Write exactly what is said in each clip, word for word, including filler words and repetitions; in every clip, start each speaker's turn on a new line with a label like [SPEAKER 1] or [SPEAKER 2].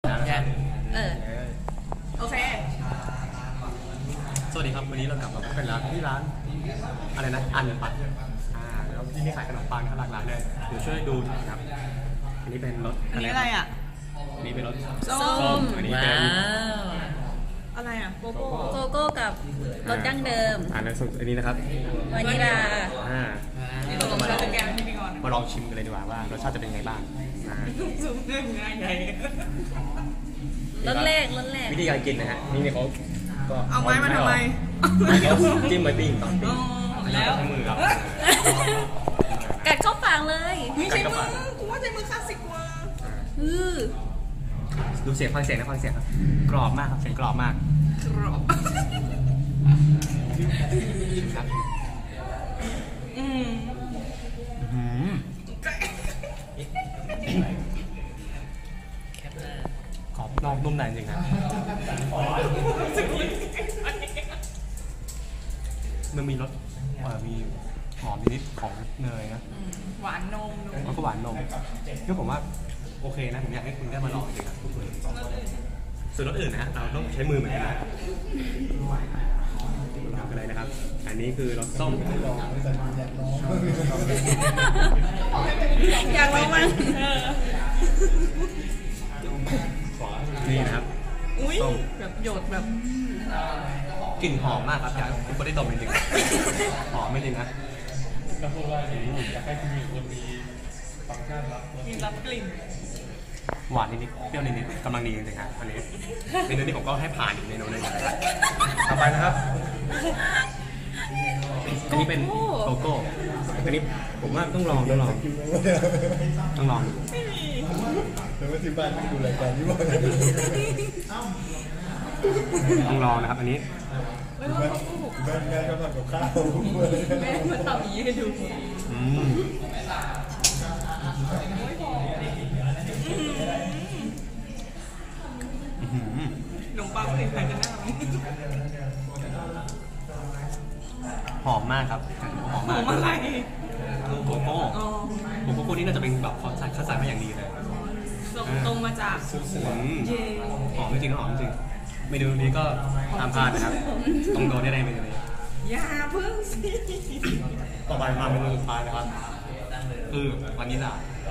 [SPEAKER 1] เออโอเค
[SPEAKER 2] สวัสดีครับวันนี้เรากลับมาพบกันร้านที่ร้านอะไรนะอันปัดอ่าแล้วที่นี่ขายขนมปังหลากหลายเลยเดี๋ยวช่วยดูนะครับอันนี้เป็นรส
[SPEAKER 1] อันนี้อะไรอ่ะ
[SPEAKER 2] อันนี้เป็นรส
[SPEAKER 1] ส้ม
[SPEAKER 2] อันนี้เป็น
[SPEAKER 1] อะไรอ่ะโกโก้
[SPEAKER 3] โกโก้กับรสดั้งเดิม
[SPEAKER 2] อ่าแล้วอันนี้นะครับ
[SPEAKER 3] วานิลา
[SPEAKER 2] อ่า
[SPEAKER 1] นี่ตกลงเราจะแกงที่นี่ก่อน
[SPEAKER 2] มาลองชิมกันเลยดีกว่าว่ารสชาติจะเป็นยังไงบ้าง
[SPEAKER 1] ซุปเรื่องง่ายใหญ่
[SPEAKER 3] รสแรกรสแรก
[SPEAKER 2] วิธีการกินนะฮะนี่เขา
[SPEAKER 1] ก็เอาไม้มาทำไม
[SPEAKER 2] เขาจิ้มไว้ปิ้งตอนปิ้ง
[SPEAKER 1] แล้ว
[SPEAKER 2] มือครับ
[SPEAKER 3] กัดเข้าปากเลย
[SPEAKER 1] ไม่ใช่มือกูว่าใช้มือคลาสสิกกว่า
[SPEAKER 3] อือ
[SPEAKER 2] ดูเสียงฟังเสียงนะฟังเสียงครับกรอบมากครับเสียงกรอบมาก
[SPEAKER 1] กรอบ
[SPEAKER 2] ครับ
[SPEAKER 1] อืม
[SPEAKER 2] อืมกรอบนอกนุ่มในจริงครับมันมีรสมีหอมนิดของเนยนะ
[SPEAKER 1] หวานนม
[SPEAKER 2] แล้วก็หวานนมก็ผมว่าโอเคนะผมอยากให้คุณได้มาลองจริงครับส่วนรสอื่นนะฮะเราต้องใช้มือเหมือนกันนะทำอะไรนะครับอันนี้คือรสส้ม
[SPEAKER 3] อยากลองมั้ย
[SPEAKER 2] นี่นะครับ
[SPEAKER 1] อุ้ยแบบหยดแบบ
[SPEAKER 2] กลิ่นหอมมากครับอยากคุณก็ได้ดมจริงๆหอมไม่จริงนะ
[SPEAKER 4] ก็พูดว่าอยากให้คุณมีคนมีฟังก์ชันรับ
[SPEAKER 1] มีรับกลิ่น
[SPEAKER 2] หวานนิดๆเปรี้ยวนิดๆกำลังดีจริงๆครับอันนี้เมนูนี้ผมก็ให้ผ่านอีกเมนูหนึ่งนะครับต่อไปนะครับอันนี้เป็นโกโก้อันนี้ผมว่าต้องลองต้องลองต้องลอง
[SPEAKER 1] ไม่มี
[SPEAKER 4] แต่ว่าที่บ้านไม่ดูรายการนี้บ้าง
[SPEAKER 2] ต้องลองนะครับอันนี้
[SPEAKER 1] แม่แ
[SPEAKER 4] ม่ก็ทำกับข้าว
[SPEAKER 1] แม่มาทำอย่างนี้ให้ดู
[SPEAKER 2] อืม
[SPEAKER 1] ขนมปังเป็นใครกันแน่
[SPEAKER 2] หอมมากครับหอมมาก
[SPEAKER 1] หอมอะไร
[SPEAKER 2] โกโก้โกโก้นี่น่าจะเป็นแบบเขาใส่คัดสรรมาอย่างดีเลย
[SPEAKER 1] ตรงมาจาก
[SPEAKER 2] หอมจริงๆหอมจริงเมนูนี้ก็ตามพานนะครับตรงโดนได้ในเมนูนี้
[SPEAKER 1] อย่าเพิ่งสิ
[SPEAKER 2] ต่อไปมาเมนูสุดท้ายนะครับคือวานิลลา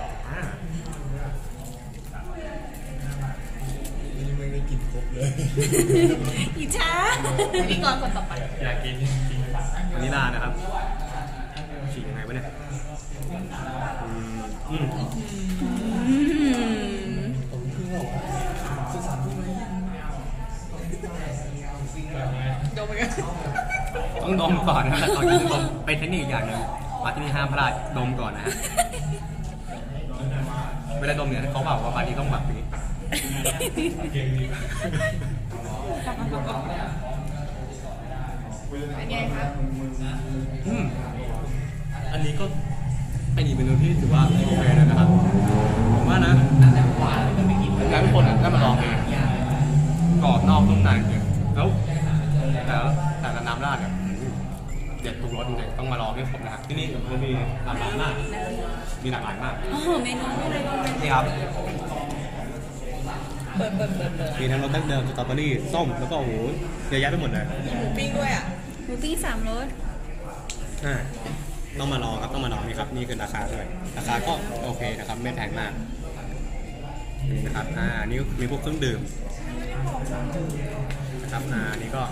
[SPEAKER 4] นี่ไม่ได้กินครบเลย
[SPEAKER 3] อิจฉาพี่กรคนต่อไป
[SPEAKER 2] อยากกินวานิลลานะครับฉีกยังไงวะเนี่ยอืมอืม
[SPEAKER 1] ดมกัน
[SPEAKER 2] ต้องดมก่อนนะแต่ตอนกินต้องดมเป็นเทคนิคอย่างหนึ่งมาที่นี่ห้ามพลาดดมก่อนนะฮะเวลาดมเนี่ยเขาบอกว่าบางทีต้องแบบนี้
[SPEAKER 1] เป็นไงครับ
[SPEAKER 2] อืมอันนี้ก็เป็นอีกเมนูที่ถือว่าโอเคนะครับผมว่านะอยากให้ทุกคนได้มาลองเองกรอบนอกนุ่มในแล้วแต่แต่ละน้ำราดเนี่ยเด็ดทุกรสจริงๆต้องมาลองให้ครบนะครับที่นี่มันมีหลากหลายมากมีหลากหลายมาก
[SPEAKER 3] โอ้โหเมนูอะไรบ้าง
[SPEAKER 2] นี่ครับ
[SPEAKER 3] เปิดเปิดเปิดเปิด
[SPEAKER 2] มีทั้งรสดั้งเดิมสตรอเบอรี่ส้มแล้วก็โอ้โหเยอะแยะไปหมดเลย
[SPEAKER 1] หมูปิ้งด้วยอ่ะ
[SPEAKER 3] หมูปิ้งสามรส
[SPEAKER 2] อ่าต้องมาลองครับต้องมาลองนี่ครับนี่คือราคาด้วยราคาก็โอเคนะครับไม่แพงมากนี่นะครับอ่านี่มีพวกเครื่องดื่มนะครับอ่านี่ก็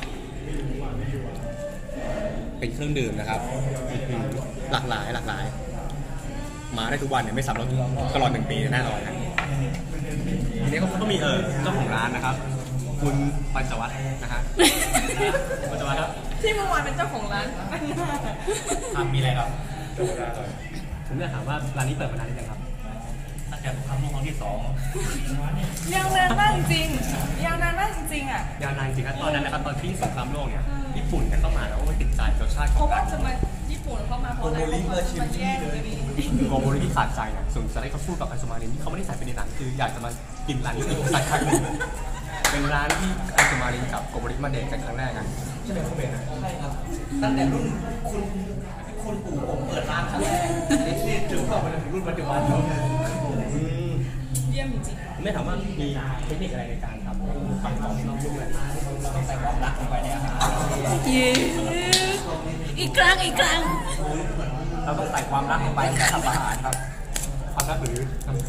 [SPEAKER 2] เป็นเครื่องดื่มนะครับหลากหลายหลากหลายมาได้ทุกวันเนี่ยไม่ซ้ำรสตลอดหนึ่งปีแน่นอนนะอันนี้ก็มีเออเจ้าของร้านนะครับคุณปัญจวัฒน์นะฮะปัญจวัฒน์ครับ
[SPEAKER 1] ที่เมื่อวานเป็นเจ้าของร้าน
[SPEAKER 2] ทำมีอะไรครับผมจะถามว่าร้านนี้เปิดมานานหรือยังครับตั้งแต่สงครามโลกครั้งที่สอง
[SPEAKER 1] ยาวนานมากจริงยาวนานมากจริงอ่ะ
[SPEAKER 2] ยาวนานจริงครับตอนนั้นนะครับตอนที่สงครามโลกเนี่ยญี่ปุ่นเนี่ยเข้ามาแล้วก็ติดใจรสชาติของ
[SPEAKER 1] เพราะว่าจะมาญี่ปุ่นเข้ามาเพราะอะไรมาแย่งเลย
[SPEAKER 2] โกโบริที่ขาดใจเนี่ยส่วนสไลด์เขาพูดกับไอซ์มารินที่เขาไม่ได้ใส่ไปในหนังคืออยากจะมากินร้านนี้ใส่ครั้งหนึ่งเป็นร้านที่ไอซ์มารินกับโกโบริมาเดทกันครั้งแรกกันใช่ไหมคุณเบนนะใช่ครับตั้งแต่รุ่นคุณคุณปู่ผมเปิดร้านครั้งแรกนี่ถือว่าเป็นรุ่นปัจจุบันแล้ว
[SPEAKER 1] เยี่ยมจริง
[SPEAKER 2] ไม่ถามว่ามีเทคนิคอะไรในการทำให้ฟันกรอบนอกนุ่มเลยต้องใส่ความรักลงไปในอาหาร
[SPEAKER 3] เย้อีกครั้งอีกครั้ง
[SPEAKER 2] เราต้องใส่ความรักลงไปในการทำอาหารครับความรักหรือ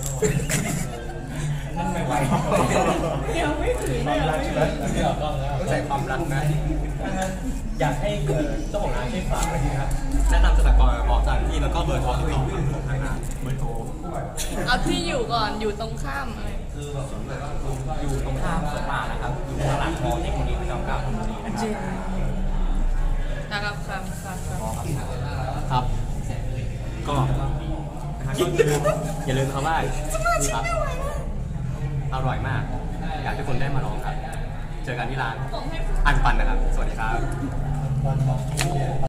[SPEAKER 2] นั่นไม่ไหว
[SPEAKER 1] ๆยังไม่ถึง
[SPEAKER 2] ความรักใช่ไหม
[SPEAKER 4] ไม่ออกกล้องแล้ว
[SPEAKER 2] ต้องใส่ความรักนะอยากให้เจ้าของร้านช่วยฝากอะไรนะครับแนะนำสถานกรบอกสถานที่แล้วก็เบอร์โทรที่ติดต่อของทางร้านเบอร์โทร
[SPEAKER 1] เอาที่อยู่ก่อนอยู่ตรงข้ามอะไร
[SPEAKER 2] อยู่ตรงข้ามสวนป่านะครับอยู่ตลาดคอเทคโนโลยีพระจอมเกล้าธนบุรีนะครับ
[SPEAKER 1] นะครับครับครับครับ
[SPEAKER 2] ครับ ก็นะครับก็อย่าลืมอย่าลืมครับว่านี่ครับอร่อยมาก อยากให้คนได้มาลองครับ เจอกันที่ร้านอันปันนะครับ สวัสดีครับ